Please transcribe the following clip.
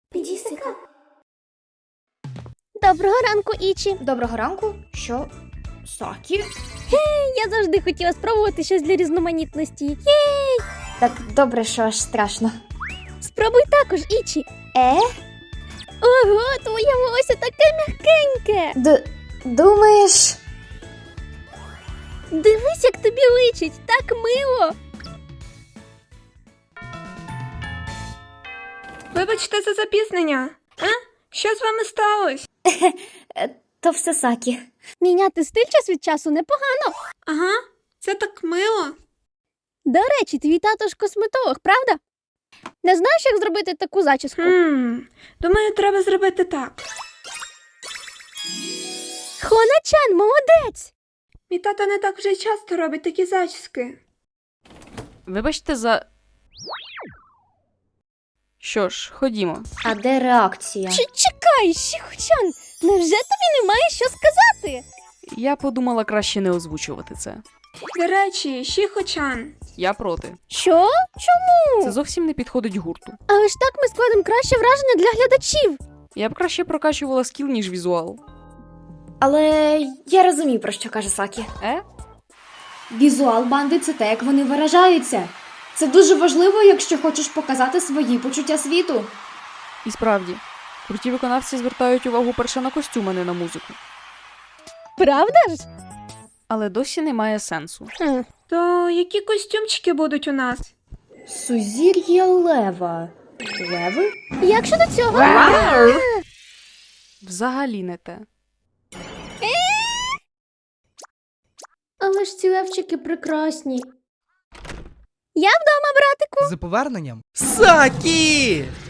Підісика. Доброго ранку, Ічі. Доброго ранку. Що? Сакі? Я завжди хотіла спробувати щось для різноманітності. Так добре, що аж страшно. Спробуй також, Ічі. Ого, твоє волосся таке м'якеньке. Думаєш? Дивись, як тобі личить, так мило. Вибачте за запізнення. Що з вами сталося? То все Сакі. Міняти стиль час від часу непогано. Ага, це так мило. До речі, твій тато ж косметолог, правда? Не знаєш, як зробити таку зачіску? Думаю, треба зробити так. Хона-чан, молодець! Мій тато не так вже й часто робить такі зачіски. Вибачте за. Що ж, ходімо. А де реакція? Чекай, Шіхо-чан, невже тобі немає що сказати? Я подумала краще не озвучувати це. До речі, Шіхо-чан. Я проти. Що? Чому? Це зовсім не підходить гурту. Але ж так ми складемо краще враження для глядачів. Я б краще прокачувала скіл, ніж візуал. Але я розумію, про що каже Сакі. Візуал банди – це те, як вони виражаються. Це дуже важливо, якщо хочеш показати свої почуття світу. І справді, круті виконавці звертають увагу перше на костюм, а не на музику. Правда ж? Але досі немає сенсу. То які костюмчики будуть у нас? Сузір'я лева. Леви? Як щодо цього? Взагалі не те. Але ж ці левчики прекрасні. Я вдома, братику. За поверненням. Сакі!